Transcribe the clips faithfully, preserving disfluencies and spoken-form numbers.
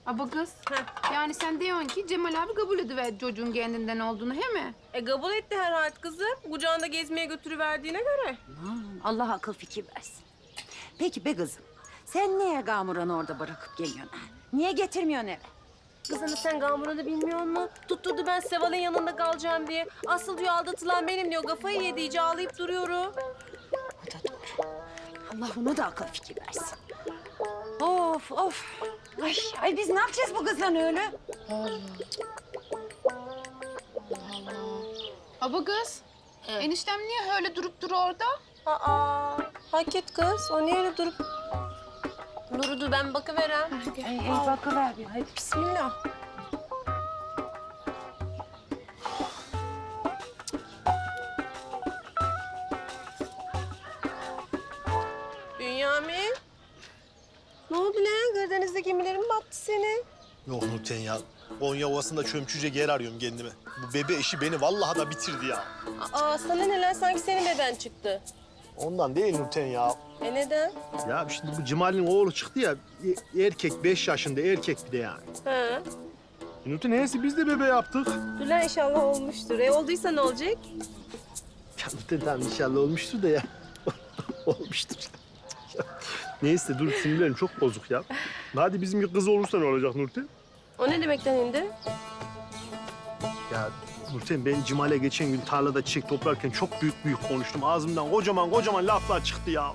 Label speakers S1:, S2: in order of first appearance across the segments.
S1: Aba kız.
S2: Heh.
S1: Yani sen diyorsun ki Cemal abi kabul ediver çocuğun kendinden olduğunu, he mi?
S2: E kabul etti herhalde kızım. Kucağında gezmeye götürüverdiğine göre.
S3: Aman, Allah akıl fikir versin. Peki be kızım, sen niye Gamuran'ı orada bırakıp geliyorsun? ha? Niye getirmiyorsun eve?
S2: Kızını sen Gamuran'ı bilmiyor musun? Tutturdu ben Seval'in yanında kalacağım diye. Asıl diyor aldatılan benim diyor. Kafayı yedi iyice ağlayıp duruyorum.
S3: O da doğru. Allah ona da akıl fikir versin. Of of. Ay, ay biz ne yapacağız bu kızla öyle?
S1: Aba kız. Eniştem niye öyle durup duru orada?
S2: Aa, hak et kız. O niye öyle durup... Durudu ben bakıverem.
S3: Ay, ay bakıver bir. Hadi.
S2: Bismillah. Bünyamin. Ne oldu lan? Karadeniz'de gemilerin mi battı senin?
S4: Yok Nurten ya. Konya Ovası'nda çömçüce yer arıyorum kendime. Bu bebe işi beni vallahi da bitirdi ya.
S2: Aa, sana neler sanki senin beben çıktı.
S4: Ondan değil Nurten ya.
S2: E neden?
S4: Ya şimdi bu Cemal'in oğlu çıktı ya. e- Erkek, beş yaşında erkek bir de yani.
S2: Ha.
S4: Nurten neyse biz de bebe yaptık.
S2: Dur lan inşallah olmuştur. E olduysa ne olacak?
S4: Ya Nurten tamam inşallah olmuştur da ya. Olmuştur. Neyse dur sinirlerim çok bozuk ya. Hadi bizim bir kız olursa ne olacak Nurten?
S2: O ne demekten indi?
S4: Ya Nurten ben Cemal'e geçen gün tarlada çiçek toplarken çok büyük büyük konuştum. Ağzımdan kocaman kocaman laflar çıktı ya.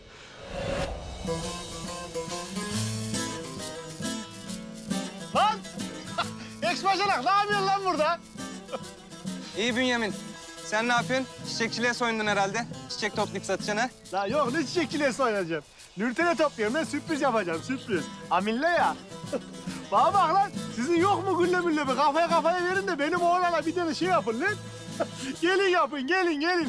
S4: Lan! Ex-bacanak ne yapıyorsun lan burada?
S5: İyi Bünyamin. Sen ne yapıyorsun? Çiçekçiliğe soyundun herhalde. Çiçek toplayıp satacaksın ha?
S4: La yok ne çiçekçiliğe oynayacağım. Nurten'e topluyorum ben sürpriz yapacağım sürpriz. Amille ya. Bana bak lan sizin yok mu gülle mülle bir kafaya kafaya verin de benim oğlana bir tane şey yapın lan. Gelin yapın gelin gelin.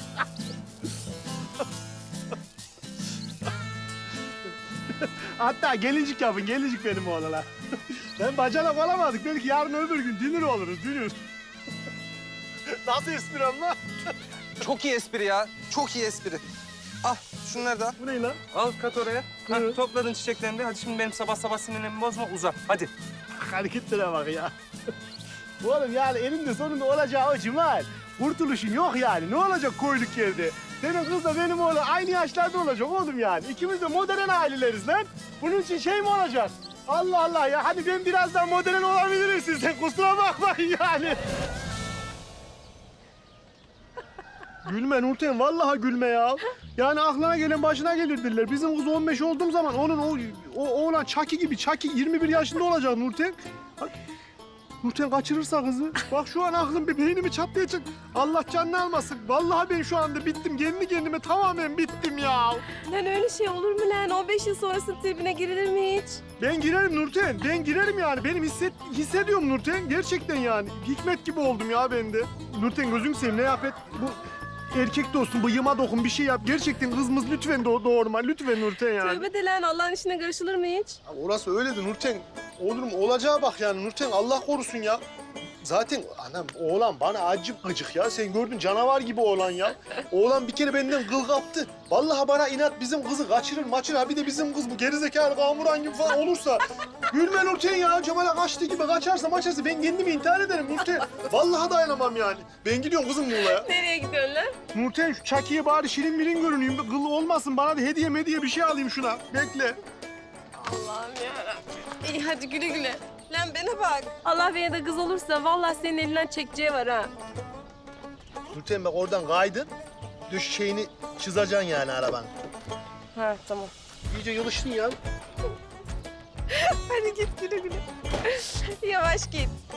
S4: Hatta gelincik yapın gelincik benim oğlana. Ben bacanak olamadık belki yarın öbür gün dünür oluruz dünür. Nasıl espri ama?
S5: Çok iyi espri ya. Çok iyi espri. Al şunları da al.
S4: Bu ne lan?
S5: Al kat oraya. Ha,
S4: Evet.
S5: topladın çiçeklerini de. Hadi şimdi benim sabah sabah sinirlerimi bozma. Uza. Hadi.
S4: Hareketlere bak ya. Oğlum yani eninde sonunda olacağı o Cemal. Kurtuluşun yok yani. Ne olacak koyduk yerde? Senin kızla benim oğlan aynı yaşlarda olacak oğlum yani. İkimiz de modern aileleriz lan. Bunun için şey mi olacak? Allah Allah ya. Hadi ben biraz daha modern olabilirim sizden. Kusura bakmayın yani. Gülme Nurten, vallahi gülme ya. Yani aklına gelen başına gelir derler. Bizim kız on beş olduğum zaman onun o, o oğlan Çaki gibi, Çaki yirmi bir yaşında olacak Nurten. Bak, Nurten kaçırırsa kızı. Bak şu an aklım bir beynimi çatlayacak. Allah canını almasın. Vallahi ben şu anda bittim. Kendi kendime tamamen bittim ya.
S2: Lan öyle şey olur mu lan? on beş yıl sonrası tribine girilir mi hiç?
S4: Ben girerim Nurten. Ben girerim yani. Benim hisset, hissediyorum Nurten. Gerçekten yani. Hikmet gibi oldum ya ben de. Nurten gözüm seveyim ne yap et. Bu erkek dostum bıyığıma dokun bir şey yap. Gerçekten kızımız lütfen doğ doğurma. Lütfen Nurten yani.
S2: Tövbe de lan Allah'ın işine karışılır mı hiç?
S4: Ya orası öyledir Nurten. Olur mu? Olacağı bak yani Nurten. Allah korusun ya. Zaten anam oğlan bana acık gıcık ya. Sen gördün canavar gibi oğlan ya. Oğlan bir kere benden kıl kaptı. Vallahi bana inat bizim kızı kaçırır maçır. Ha bir de bizim kız bu gerizekalı Kamuran gibi falan olursa. Gülme Nurten ya. Cemal'e kaçtığı gibi kaçarsa maçarsa ben kendimi intihar ederim Nurten. Vallahi dayanamam yani. Ben gidiyorum kızım Muğla'ya.
S2: Nereye gidiyorsun lan?
S4: Nurten şu Çaki'ye bari şirin mirin görüneyim. Kıl olmasın bana da hediye mediye bir şey alayım şuna. Bekle.
S2: Allah'ım yarabbim. İyi hadi güle güle. Lan bana bak. Allah bana da kız olursa vallahi senin elinden çekeceği var ha.
S4: Nurten bak oradan kaydın. Düş şeyini çizeceksin yani arabanın.
S2: Ha tamam.
S4: İyice yılıştın ya.
S2: Hadi git güle güle. Yavaş git.